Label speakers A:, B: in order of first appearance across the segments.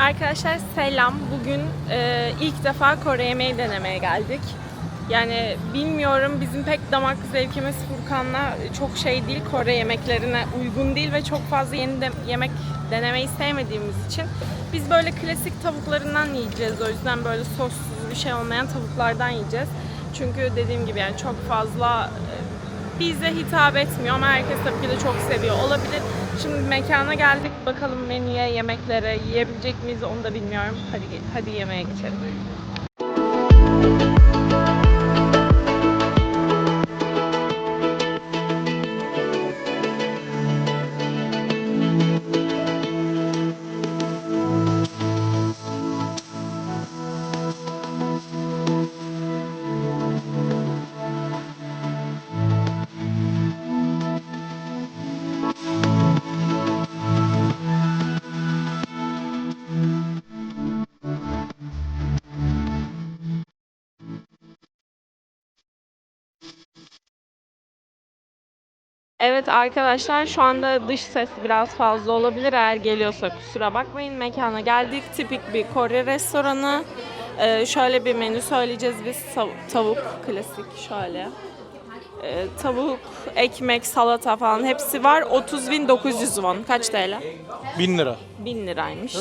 A: Arkadaşlar selam. Bugün ilk defa Kore yemeği denemeye geldik. Yani bilmiyorum, bizim pek damak zevkimiz Furkan'la çok şey değil, Kore yemeklerine uygun değil ve çok fazla yeni yemek denemeyi sevmediğimiz için biz böyle klasik tavuklarından yiyeceğiz. O yüzden böyle sossuz bir şey olmayan tavuklardan yiyeceğiz. Çünkü dediğim gibi yani çok fazla bize hitap etmiyor ama herkes tabii ki de çok seviyor olabilir. Şimdi mekana geldik. Bakalım menüye, yemeklere yiyebilecek miyiz onu da bilmiyorum. Hadi yemeğe geçelim. Evet arkadaşlar, şu anda dış ses biraz fazla olabilir, eğer geliyorsa kusura bakmayın. Mekana geldik, tipik bir Kore restoranı. Şöyle bir menü söyleyeceğiz biz. Tavuk klasik şöyle. Tavuk, ekmek, salata falan hepsi var. 30.900 won. Kaç TL?
B: 1000 lira.
A: 1000 liraymış.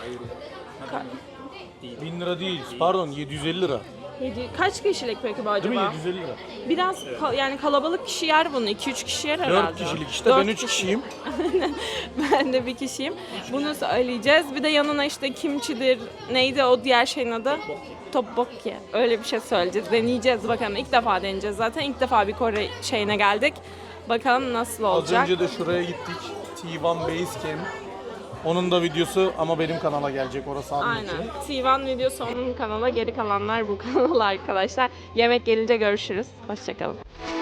B: 1000 lira değil. Pardon 750 lira.
A: Kaç kişilik peki bu acaba?
B: Değil mi 750 lira?
A: Biraz yani kalabalık kişi yer bunu. 2-3 kişi yer herhalde.
B: 4 kişilik işte,
A: 4
B: ben 3 kişiyim.
A: Ben de bir kişiyim. Bunu söyleyeceğiz. Bir de yanına işte kimçidir. Neydi o diğer şeyin adı? Tteokbokki. Öyle bir şey söyleyeceğiz. Deneyeceğiz bakalım. İlk defa deneyeceğiz zaten. İlk defa bir Kore şeyine geldik. Bakalım nasıl olacak.
B: Az önce de şuraya gittik. T1 Base Camp. Onun da videosu ama benim kanala gelecek, orası anlatıyor.
A: Aynen. T1 videosu onun kanala, geri kalanlar bu kanala arkadaşlar. Yemek gelince görüşürüz. Hoşçakalın.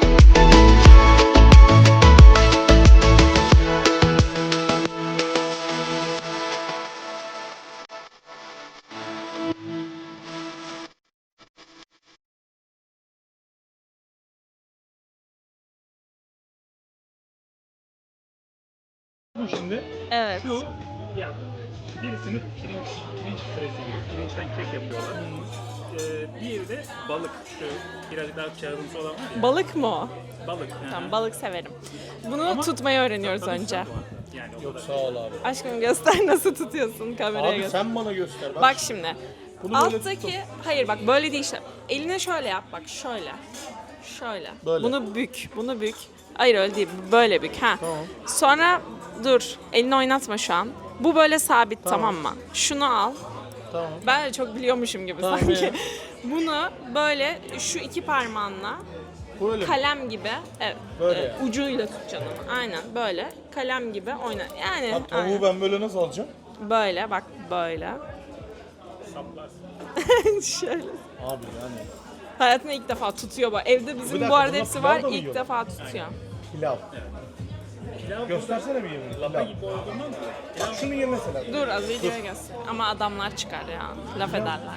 C: Bu şimdi
A: Evet.
C: şu ya birisini pirinç püresi gibi, pirinçten kek yapıyorlar. Diğeri de balık. Şu birazcık daha kağıdımsı olan var ya.
A: Balık mı o?
C: Balık.
A: Tamam, balık severim. Bunu tutmayı öğreniyoruz
C: Tadı
A: önce.
C: güzel bu. Yani o
B: Yok
C: kadar.
B: sağ ol abi.
A: Aşkım göster nasıl tutuyorsun, kameraya
B: Abi
A: göster.
B: sen bana göster.
A: Bak şimdi.
B: Bunu böyle
A: Alttaki, hayır bak böyle değil işte. Eline şöyle yap, bak şöyle. Şöyle.
B: Böyle.
A: Bunu bük, bunu bük. Hayır öyle değil, böyle bük ha.
B: Tamam.
A: Sonra dur, elini oynatma şu an. Bu böyle sabit, tamam mı? Şunu al.
B: Tamam.
A: Ben de çok biliyormuşum gibi
B: Tamam
A: sanki.
B: ya.
A: Bunu böyle şu iki parmağınla
B: Böyle mi?
A: kalem gibi, evet,
B: Böyle yani.
A: ucuyla tutacaksın onu. Aynen böyle kalem gibi oyna. Yani
B: Ha, tavuğu
A: aynen.
B: ben böyle nasıl alacağım?
A: Böyle bak, böyle.
C: Saplarsın.
A: Şöyle.
B: Abi yani.
A: Hayatımda ilk defa tutuyor bu. Evde bizim
B: Bir dakika,
A: bu arada
B: bunlar
A: hepsi
B: pilav
A: var.
B: da mı
A: İlk
B: yiyor?
A: defa tutuyor.
B: Pilav.
C: Pilav
B: Göstersene bir yemeği.
C: lapa
B: Pilav.
C: gibi olduğundan mı?
B: Bak şunu ye mesela.
A: Dur az videoya göster. Ama adamlar çıkar ya. Laf ederler.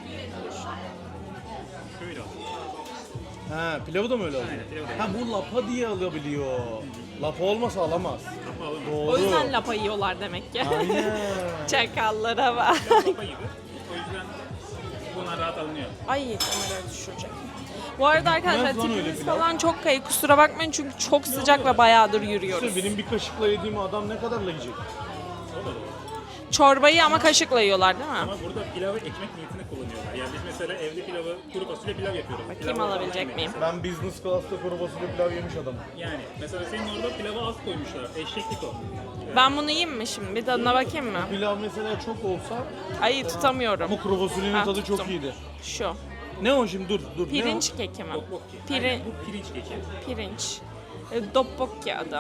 C: Şöyle olsun.
B: Ha, pilavı da mı öyle alıyor?
C: Aynen, pilavı da
B: Ha, bu lapa diye alabiliyor. Lapa olmasa alamaz.
C: Lapa olur.
B: Doğru.
A: O yüzden lapa yiyorlar demek ki.
B: Aynen.
A: Çakallara bak.
C: Lapa gibi. O yüzden bunlar rahat alınıyor.
A: Ay kamerayı düşürecek. Bu arada arkadaşlar
B: Bitmez lan öyle
A: tipimiz
B: pilav.
A: falan çok kayık. Kusura bakmayın çünkü çok sıcak ve bayağıdır yürüyoruz.
B: İşte benim bir kaşıkla yediğim adam ne kadarla yiyecek?
C: O da olur.
A: Çorbayı ama kaşıkla yiyorlar değil mi?
C: Ama burada pilavı ekmek niyetine kullanıyorlar. Yani biz mesela evde pilavı, kuru fasulye pilav yapıyoruz.
A: Bakayım
C: Pilavı
A: alabilecek
C: falan
A: miyim?
B: Ben business class'ta kuru fasulye pilav yemiş adamım.
C: Yani mesela senin orada pilava az koymuşlar. Eşeklik o.
A: Ben bunu yiyeyim mi şimdi? Bir tadına bakayım mı?
B: Pilav mesela çok olsa
A: Ay tutamıyorum.
B: ama kuru fasulyenin
A: Ha,
B: tadı
A: tuttum.
B: çok iyiydi.
A: Şu.
B: Ne o şimdi, dur ne o?
A: Pirinç keki mi?
C: Tteokbokki.
A: Piri-
C: Aynen, bu pirinç keki.
A: Pirinç. Doppokki adı.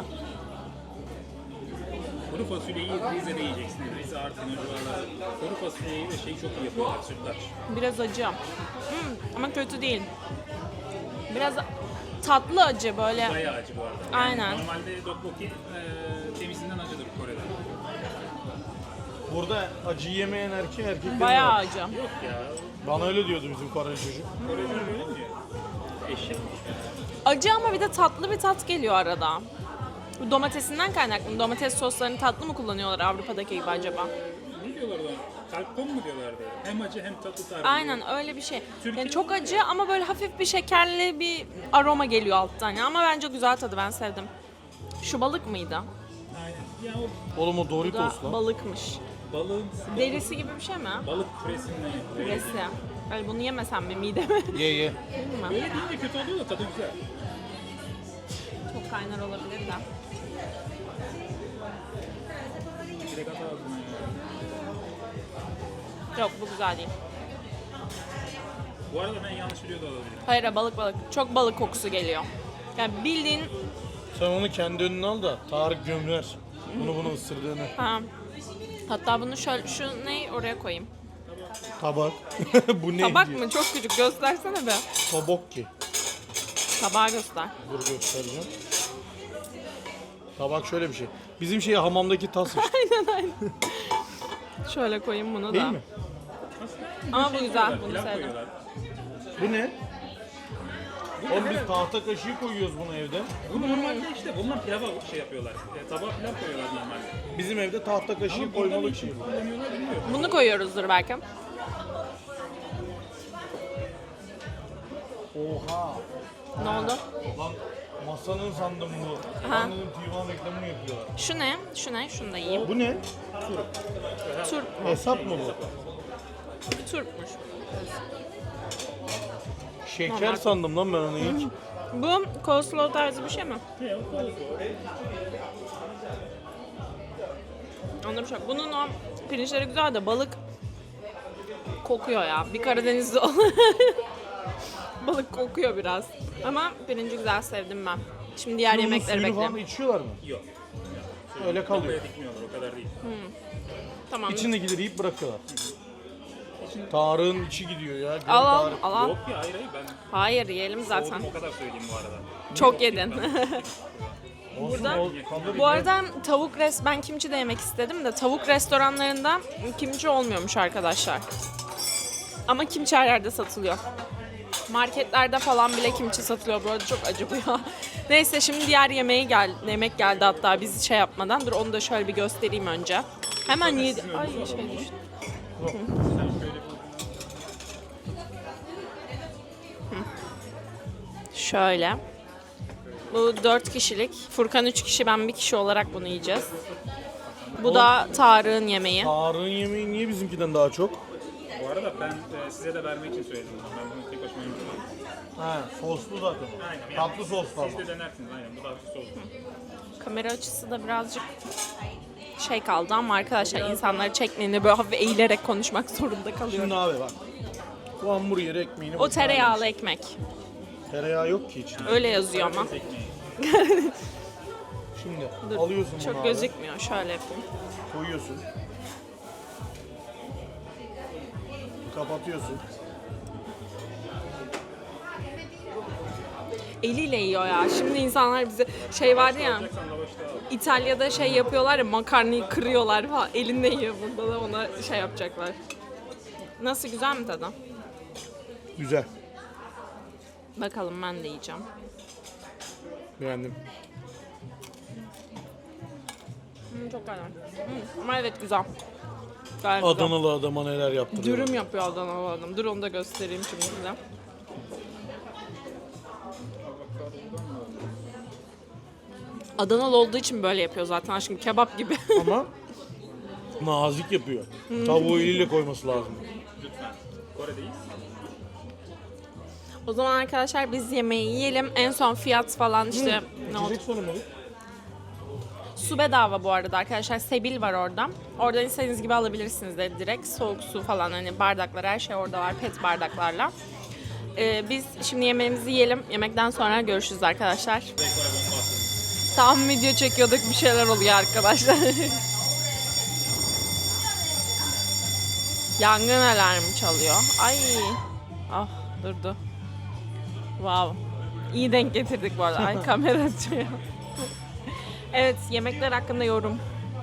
C: Kuru fasulyeyi Rize'de yiyeceksiniz. Rize, Artvin, o civarlarda. Kuru fasulyeyi ve şeyi çok iyi yapıyorlar, sütlaç.
A: Biraz acı. Ama kötü değil. Biraz tatlı acı böyle.
C: Bayağı acı bu arada.
A: Aynen.
C: Normalde tteokbokki temizinden acıdır Kore'de.
B: Burada acı yemeyen erkek
A: Bayağı
B: var.
A: acı.
C: Yok ya,
B: Bana öyle diyordu bizim Koreli çocuk.
C: Koreliler böyle mi diyor? Eşek.
A: Acı ama bir de tatlı bir tat geliyor arada. Bu domatesinden kaynaklı mı? Domates soslarını tatlı mı kullanıyorlar Avrupa'daki gibi acaba?
C: Bilmiyorum diyorlardı ona? Kalpkon mu diyorlardı? Hem acı hem tatlı tarzı.
A: Aynen öyle bir şey.
C: Türkiye'de
A: Yani çok acı ama böyle hafif bir şekerli bir aroma geliyor alttan. Yani ama bence güzel tadı, ben sevdim. Şu balık mıydı?
C: Aynen. Ya o
B: Oğlum o
A: Bu da
B: Doritos lan.
A: balıkmış.
C: balığın
A: Derisi gibi bir şey mi?
C: balık püresinden yapılıyor.
A: Derisi. Böyle bunu yemesem mi mideme?
B: Ye ye.
A: Değil mi?
C: Böyle deyince kötü oluyor da tadı güzel.
A: Çok kaynar olabilir de.
C: Direkt at ağzına ya.
A: Yok, bu güzel değil.
C: Bu arada ben yanlış biliyor da olabilirim.
A: Hayır, balık. Çok balık kokusu geliyor. Yani bildiğin
B: Sen onu kendi önüne al da Tarık gömler. Bunu ısırdığını.
A: ha. Hatta bunu şöyle, şu ne oraya koyayım.
B: Tabak. Bu ne?
A: Tabak mı? Çok küçük. Göstersene be.
B: Tabak ki.
A: Tabağı göster.
B: Dur göstereceğim. Tabak şöyle bir şey. Bizim şey hamamdaki tas işte.
A: Şöyle koyayım bunu da.
B: Değil mi?
A: Ama bu güzel. Bunu
C: Pilav
A: sevdim.
C: koyuyorlar.
B: Bu ne? Oğlum biz tahta kaşığı koyuyoruz bunu evde.
C: Bu normalde işte bundan pilava şey yapıyorlar. Tabağa pilav koyuyorlar normalde.
B: Bizim evde tahta kaşığı koymalık şey.
C: Kullanıyorlar bilmiyorum.
A: Bunu koyuyoruzdur belki.
B: Oha.
A: Ne oldu?
B: Lan masanın sandım bu.
A: Aha.
B: Ben dedim Tivan reklamını yapıyorlar.
A: Şu ne? Şu ne? Şunu da yiyeyim.
B: Bu ne?
A: Turp.
B: Hesap mı bu?
A: Turpmuş.
B: Şeker
A: Normal.
B: sandım lan ben onu hiç.
A: Bu coleslaw tarzı bir şey mi?
C: Ne o kokusu?
A: Onda bir şey yok. Bunun o pirinçleri güzel de balık kokuyor ya. Bir Karadenizli ol. Balık kokuyor biraz. Ama pirinci güzel, sevdim ben. Şimdi diğer
B: Bunun
A: yemekleri
B: suyunu falan
A: bekliyorum.
B: içiyorlar mı?
C: Yok.
B: Öyle kalıyor.
C: Kafaya dikmiyorlar o kadar değil.
A: Tamam.
B: İçindekileri yiyip bırakıyorlar. Tarığın içi gidiyor ya. Geri
A: Al al
B: Tarık.
A: al. al.
C: Yok ya hayır ben
A: Hayır, yiyelim zaten.
C: soğudum o kadar söyleyeyim bu arada.
A: Çok yedin.
B: Olsun,
A: Burada-
B: kaldı
A: Bu arada ben kimçi de yemek istedim de tavuk restoranlarında kimçi olmuyormuş arkadaşlar. Ama kimçi her yerde satılıyor. Marketlerde falan bile kimçi satılıyor. Bu arada çok acı bu ya. Neyse, şimdi diğer yemek geldi hatta biz şey yapmadan. Dur onu da şöyle bir göstereyim önce. Hemen yedi. Ay şey düştü. Şöyle. Bu 4 kişilik. Furkan 3 kişi, ben 1 kişi olarak bunu yiyeceğiz. Bu da Tarık'ın yemeği.
B: Tarığın yemeği niye bizimkiden daha çok?
C: Bu arada ben size de vermek için söyledim. Ben bunu tek başıma yemeyeceğim.
B: He, soslu zaten.
C: Aynen.
B: Tatlı soslu ama.
C: Siz de denersiniz aynen. Bu da hafif soslu.
A: Kamera açısı da birazcık şey kaldı ama arkadaşlar insanları çekmeyince böyle hafif eğilerek konuşmak zorunda kalıyorum.
B: Şimdi abi bak. Bu hamburger ekmeğini...
A: O tereyağlı ekmek.
B: Tereyağı yok ki içinde.
A: Öyle yazıyor ama.
B: Şimdi
A: Dur,
B: alıyorsun bunu
A: çok
B: abi.
A: gözükmüyor. Şöyle yapayım.
B: Koyuyorsun. Kapatıyorsun.
A: Eliyle yiyor ya. Şimdi insanlar bize şey vardı ya.
C: Sen lavaşta al.
A: İtalya'da şey yapıyorlar ya, makarnayı kırıyorlar falan. Elinde yiyor, burada da ona şey yapacaklar. Nasıl, güzel mi tadı?
B: Güzel.
A: Bakalım, ben de yiyeceğim.
B: Beğendim.
A: Çok güzel. Ama evet, güzel. Gayet güzel.
B: Adanalı adama neler yaptırıyor.
A: Dürüm yapıyor Adanalı adam. Dur onu da göstereyim şimdi size. Adanalı olduğu için böyle yapıyor zaten aşkım, kebap gibi.
B: Ama nazik yapıyor. Tavuğu eliyle koyması lazım.
C: Lütfen. Kore'deyiz.
A: O zaman arkadaşlar biz yemeği yiyelim. En son fiyat falan işte ne oldu?
B: İçecek sorun
A: Su bedava bu arada arkadaşlar. Sebil var orada. Oradan istediğiniz gibi alabilirsiniz de direkt. Soğuk su falan, hani bardaklar, her şey orada var. Pet bardaklarla. Biz şimdi yemeğimizi yiyelim. Yemekten sonra görüşürüz arkadaşlar.
C: Ve Kore bombası.
A: Tam video çekiyorduk, bir şeyler oluyor arkadaşlar. Yangın alarmı çalıyor. Ay. Ah, durdu. Wow. İyi denk getirdik bu arada. Ay, kamera açıyor. Evet, yemekler hakkında yorum.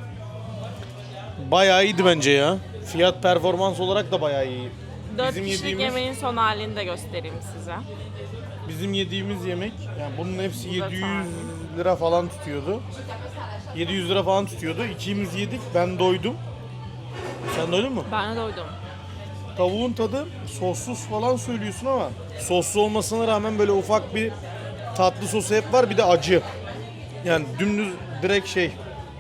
B: Bayağı iyiydi bence ya. Fiyat performans olarak da bayağı iyi.
A: 4 kişilik yemeğin son halini de göstereyim size.
B: Bizim yediğimiz yemek, yani bunun hepsi
A: Bu da
B: 700
A: tane.
B: lira falan tutuyordu. 700 lira falan tutuyordu. İkimiz yedik, ben doydum. Sen doydun mu?
A: Ben de doydum.
B: Tavuğun tadı sossuz falan söylüyorsun ama soslu olmasına rağmen böyle ufak bir tatlı sosu hep var, bir de acı. Yani dümdüz direkt şey.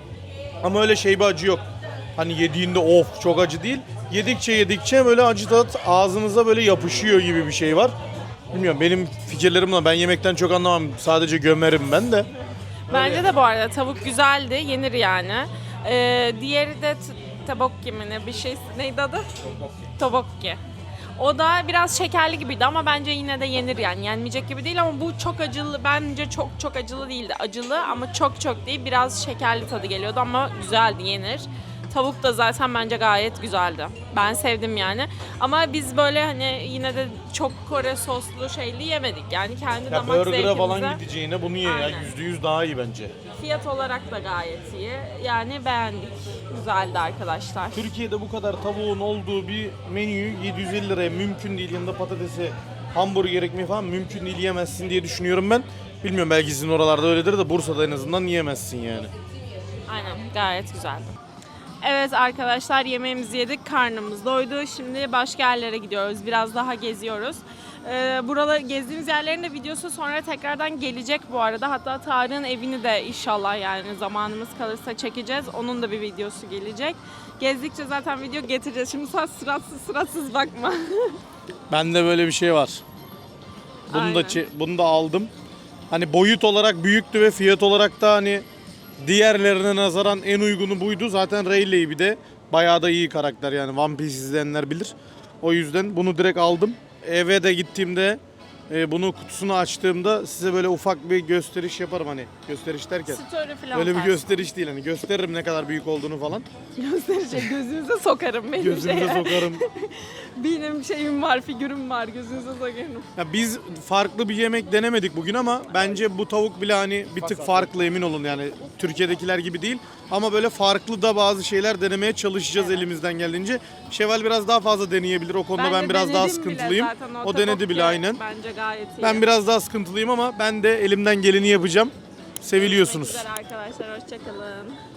B: Ama öyle şey bir acı yok. Hani yediğinde of çok acı değil. Yedikçe böyle acı tat ağzınıza böyle yapışıyor gibi bir şey var. Bilmiyorum, benim fikirlerimle, ben yemekten çok anlamam. Sadece gömerim ben de.
A: Bence de bu arada tavuk güzeldi, yenir yani. Diğeri de tabokki mi ne bir şey, neydi adı? Tobokki. O da biraz şekerli gibiydi ama bence yine de yenir yani. Yenmeyecek gibi değil ama bu çok acılı. Bence çok acılı değildi. Acılı ama çok değil. Biraz şekerli tadı geliyordu ama güzeldi, yenir. Tavuk da zaten bence gayet güzeldi. Ben sevdim yani. Ama biz böyle hani yine de çok Kore soslu şeyli yemedik. Yani kendi
B: Ya
A: damak
B: burger'a
A: zevkimize.
B: falan gideceğine bunu ye ya.
A: Aynen.
B: %100 daha iyi bence.
A: Fiyat olarak da gayet iyi. Yani beğendik. Güzeldi arkadaşlar.
B: Türkiye'de bu kadar tavuğun olduğu bir menüyü 750 liraya mümkün değil. Yanında patatesi, hamburger ekmeği falan mümkün değil, yiyemezsin diye düşünüyorum ben. Bilmiyorum, belki sizin oralarda öyledir de Bursa'da en azından yiyemezsin yani.
A: Aynen, gayet güzeldi. Evet arkadaşlar, yemeğimizi yedik, karnımız doydu. Şimdi başka yerlere gidiyoruz, biraz daha geziyoruz. Buraları gezdiğimiz yerlerin de videosu sonra tekrardan gelecek bu arada. Hatta Tarık'ın evini de inşallah yani zamanımız kalırsa çekeceğiz. Onun da bir videosu gelecek. Gezdikçe zaten video getireceğiz. Şimdi sen sıratsız bakma.
B: Bende böyle bir şey var.
A: Aynen.
B: Bunu da aldım. Hani boyut olarak büyüktü ve fiyat olarak da hani diğerlerine nazaran en uygunu buydu. Zaten Rayleigh bir de bayağı da iyi karakter yani, One Piece izleyenler bilir. O yüzden bunu direkt aldım. Eve de gittiğimde bunu kutusunu açtığımda size böyle ufak bir gösteriş yaparım, hani gösteriş derken.
A: Story falan
B: Öyle bir
A: tarzı.
B: gösteriş değil, hani gösteririm ne kadar büyük olduğunu falan.
A: Gösterecek, gözünüze sokarım benim
B: Gözünüze sokarım.
A: Benim şeyim var, figürüm var, gözünüze sokarım.
B: Ya biz farklı bir yemek denemedik bugün ama bence bu tavuk bile hani bir tık farklı, emin olun yani Türkiye'dekiler gibi değil. Ama böyle farklı da bazı şeyler denemeye çalışacağız elimizden geldiğince. Şevval biraz daha fazla deneyebilir, o konuda ben biraz daha sıkıntılıyım. O denedi bile aynen.
A: Bence gayet iyi.
B: Ben biraz daha sıkıntılıyım ama ben de elimden geleni yapacağım. Seviliyorsunuz.
A: Görüşmek üzere arkadaşlar, hoşçakalın.